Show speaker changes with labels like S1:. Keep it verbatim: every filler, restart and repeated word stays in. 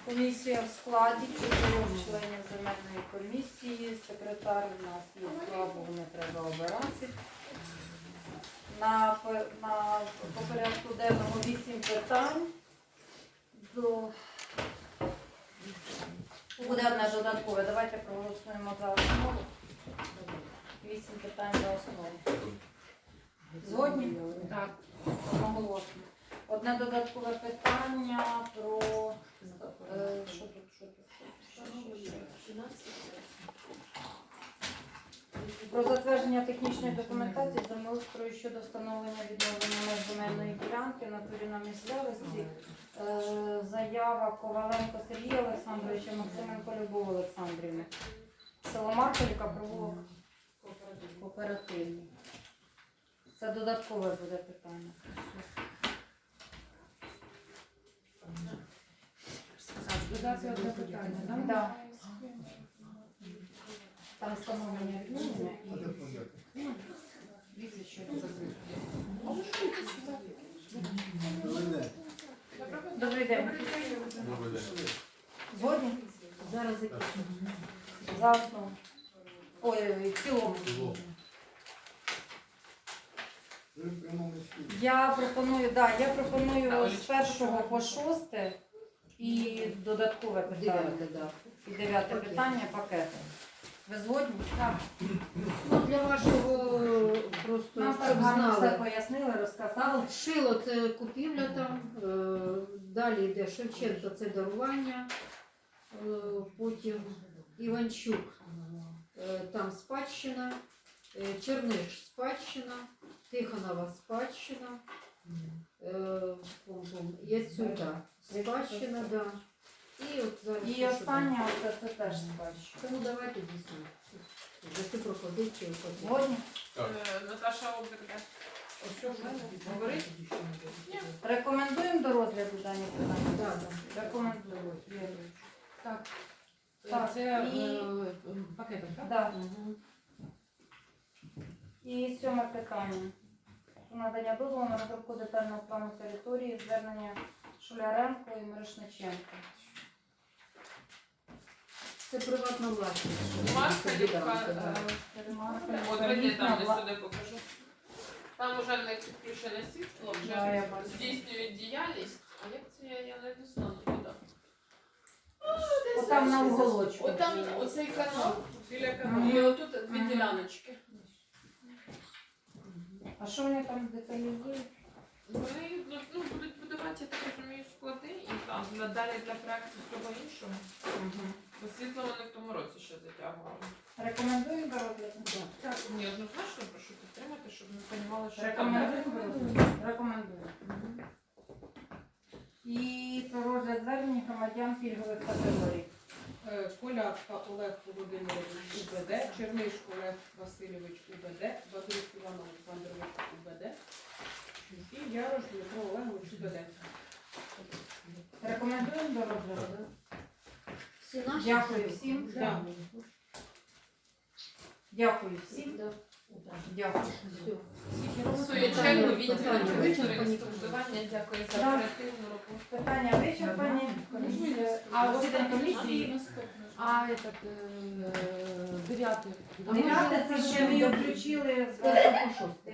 S1: Комісія в складі чотирьох членів земельної комісії. Секретар у нас є, слабо, не треба обирати. На, на по порядку денному вісім питань. До... Буде одне додаткове. Давайте проголосуємо за основу. Вісім питань за основу. Згодні? Так. Одноголосно. Одне додаткове питання про... Е, що тут, що тут, що тут? Про затвердження технічної документації землеустрою щодо встановлення відновлення меж земельної ділянки на турі на місцевості. Е, заява Коваленко Сергія Олександровича, Максименко Любов Олександрівни. Село Марківка, провулок кооперативний. Це додаткове буде питання.
S2: Додати одне питання, так?
S1: Да. Там встановлення відновлення і віці, що це закрите. Добрий день. Згодні? Зараз закінчимо. За основу. Ой, в цілому. Я пропоную, да, я пропоную з першого по шосте і додаткове питання. І дев'яте питання пакету. Ви згодні? Так.
S2: Ну, для вашого просто,
S1: Нам
S2: щоб
S1: так гарно все
S2: знали.
S1: пояснили, розказали.
S2: Шило – це купівля там, е, далі йде Шевченко – це дарування, е, потім Іванчук е, – там спадщина, е, Черниш – спадщина, Тихонова – спадщина, е, пум-пум, Яцюта – спадщина, да. І от зараз
S1: І
S2: що
S1: останнє, це, це теж спадщина.
S2: Тому давайте дійсно за цю пропозицію.
S1: Згодні?
S3: Е, Наташа Оберга. Говорить?
S1: Рекомендуємо до розгляду дані питання?
S2: Так,
S1: Рекомендуємо.
S3: Так.
S1: Так,
S3: Це
S1: і-
S3: е, пакетом, так?
S1: Да. І сьоме питання. Про надання дозволу на розробку детального плану території, звернення Шуляренко і Мирошниченко.
S2: Це приватна власність.
S3: Марківка.
S1: Ремарка.
S3: От видите, там де сюди покажу. Там уже не підключене світло,
S1: Да, я
S3: вже
S1: бачу.
S3: здійснюють діяльність. А як це я, я не дійшла туди?
S1: Отам на уголочку.
S3: От там оцей канал, біля каналу.
S1: Мгм.
S3: І отут дві
S1: Мгм.
S3: діляночки.
S1: А що вони там деталізують?
S3: Вони ну, ну, будуть будувати, я так розумію, склади і там надалі для проєкту всього іншого. Бо світло вони в тому році ще затягували.
S1: Рекомендуємо до розгляду?
S3: Так, ні, однозначно прошу підтримати, щоб ми розуміли, що там.
S1: Рекомендуємо до розгляду? Рекомендуємо. І про розгляд звернень громадян пільгових категорій.
S4: Е, Полятка Олег Володимирович УБД, Черниш Олег Васильович УБД, Бадрук Іван Олександрович УБД і Ярош Дмитро Олегович УБД.
S1: Рекомендуємо до розгляду?
S2: Всі наші?
S1: Дякую всім.
S4: Да.
S1: Дякую всім.
S2: Да.
S1: Дякую.
S2: Все.
S3: Своє
S2: Питання-
S3: чергу відділу
S2: питання вичерпані.
S3: інспектування. Дякую за
S1: Да.
S3: оперативну роботу.
S1: Питання вичерпані.
S3: А
S1: засідання комісії.
S3: А этот дев'ятий.
S1: Дев'яте, це ще ми його включили з першого по шосте.